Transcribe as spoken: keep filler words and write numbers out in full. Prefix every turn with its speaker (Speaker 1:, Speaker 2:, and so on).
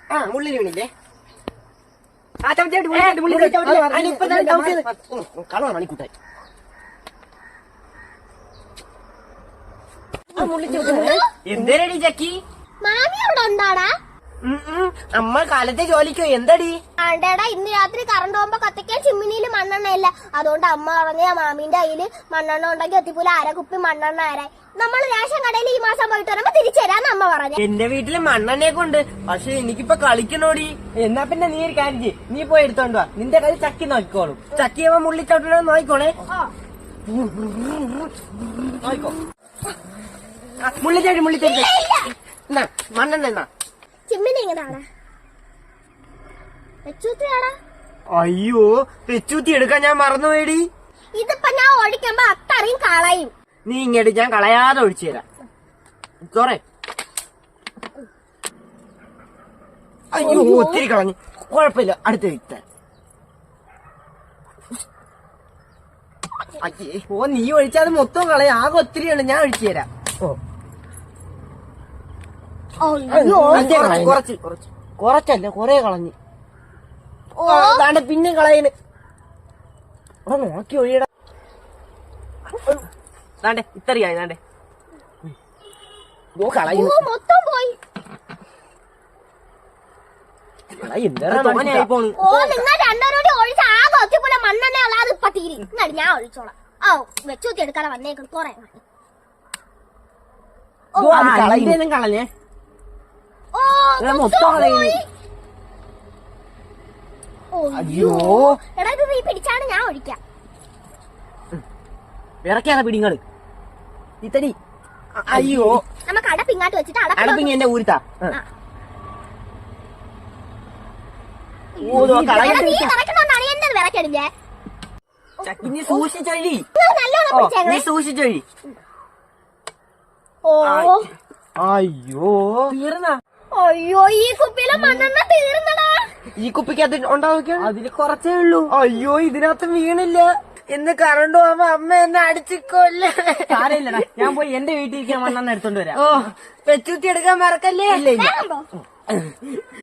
Speaker 1: ആ മുള്ളിന് വീണില്ലേ? ആ കളർ മണിക്കൂട്ടായി എന്തേരടി ചക്കി?
Speaker 2: മാമി അവിടെ ഉണ്ടാടാ?
Speaker 1: അമ്മ കാലത്തെ ജോലിക്കോ? എന്താടി?
Speaker 2: ആണ്ടേടാ, ഇന്ന് രാത്രി കറണ്ട് പോകുമ്പോ കത്തിക്കാൻ ചിമ്മിനിയിൽ മണ്ണെണ്ണ ഇല്ല. അതുകൊണ്ട് അമ്മ പറഞ്ഞ മാമീന്റെ കയ്യില് മണ്ണെണ്ണ ഉണ്ടെങ്കിൽ എത്തിപ്പോലെ അര കുപ്പി മണ്ണെണ്ണ ആരായി നമ്മൾ റേഷൻ കടയിൽ ഈ മാസം പോയിട്ട് വരുമ്പോ തിരിച്ചു തരാന്ന് അമ്മ പറഞ്ഞു.
Speaker 1: എന്റെ വീട്ടില് മണ്ണെണ്ണയൊക്കെ ഉണ്ട്, പക്ഷെ എനിക്കിപ്പൊ കളിക്കണോടി. എന്നാ പിന്നെ നീ ഒരു കാര്യം ചെയ്യ്, നീ പോയി എടുത്തോണ്ട് വാ. നിന്റെ കയ്യിൽ ചക്കി നോക്കിക്കോളും. ചക്കിയവ മുള്ളിച്ചോട്ടോ നോക്കിക്കോളെ. നോക്കോ മുള്ളിച്ചേടി മുള്ളിച്ചേടി മണ്ണെണ്ണ എന്നാ
Speaker 2: ചിമ്മിനി എങ്ങനെയാടാ? വെച്ചൂത്തിയാടാ?
Speaker 1: അയ്യോ, വെച്ചൂത്തി എടുക്കാൻ ഞാൻ മറന്നുപോയടി.
Speaker 2: ഇതിപ്പോ ഞാൻ ഒഴിക്കുമ്പോ അത്രയും കളയും.
Speaker 1: നീ ഇങ്ങോട്ട്, ഞാൻ കളയാതെ ഒഴിച്ചു തരാം. ചോറേ. അയ്യോ, ഒത്തിരി കളഞ്ഞു. കുഴപ്പമില്ല, അടുത്ത വിത്താൻ. അയ്യേ, ഓ നീ ഒഴിച്ചാൽ മൊത്തം കളയാ. ആകെ ഒത്തിരിയാണ്, ഞാൻ ഒഴിച്ചു തരാം. ഓ കുറച്ച് കുറച്ച് കുറച്ചല്ല, കൊറേ കളഞ്ഞു. ഓ പിന്നെ കളയന്. നോക്കി ഒഴിയടാ. ദാണ്ടെ ഇത്രയായി. ദാണ്ടെ ഓ കളയുന്നു.
Speaker 2: മൊത്തം പോയി.
Speaker 1: തോനെയായി പോണു.
Speaker 2: ഓ നിങ്ങൾ രണ്ടോരോട് ഒഴിച്ച് ആകെ ഒത്തിപ്പോലെ മണ്ണെണ്ണ അല്ലാതെ ഇപ്പൊ തീരി. ഇങ്ങോട്ട് ഞാൻ ഒഴിച്ചോളാം. ഓ വെച്ചൂത്തി എടുക്കാതെ വന്നേക്കും കൊറേ.
Speaker 1: കളഞ്ഞേ. മൊത്തം കളയുന്നു. അയ്യോ,
Speaker 2: എടാ ഇത് നീ പിടിച്ചാണ് ഞാൻ ഒഴിക്കാം.
Speaker 1: വിറക്കാതെ പിടിങ്ങള് ഇത്തടി. അയ്യോ,
Speaker 2: നമുക്ക് അടപ്പ് ഇങ്ങോട്ട് വെച്ചിട്ട്
Speaker 1: അടപ്പിങ്ങ എന്റെ ഊരുത്താ.
Speaker 2: വിറക്കടില്ലേ?
Speaker 1: നീ സൂക്ഷിച്ചൊഴി,
Speaker 2: നല്ലോണം പിടിച്ചേക്കണേ.
Speaker 1: നീ സൂക്ഷിച്ചൊഴി.
Speaker 2: ഓ
Speaker 1: അയ്യോ, തീർന്ന.
Speaker 2: അയ്യോ, ഈ കുപ്പിയിലെ മണ്ണെണ്ണ തീർന്നടാ.
Speaker 1: ഈ കുപ്പിക്കകത്ത് ഉണ്ടാവുക അതില് കുറച്ചേ ഉള്ളൂ. അയ്യോ, ഇതിനകത്ത് വീണില്ല. എന്ന് കറണ്ട് പോകുമ്പോ അമ്മ എന്നെ അടിച്ചിക്കോല്ലേ. സാരമില്ലടാ, ഞാൻ പോയി എന്റെ വീട്ടിലേക്ക് മണ്ണെണ്ണ എടുത്തോണ്ട് വരാം. ഓ, പെച്ചുത്തി എടുക്കാൻ മറക്കല്ലേ. ഇല്ല ഇല്ല.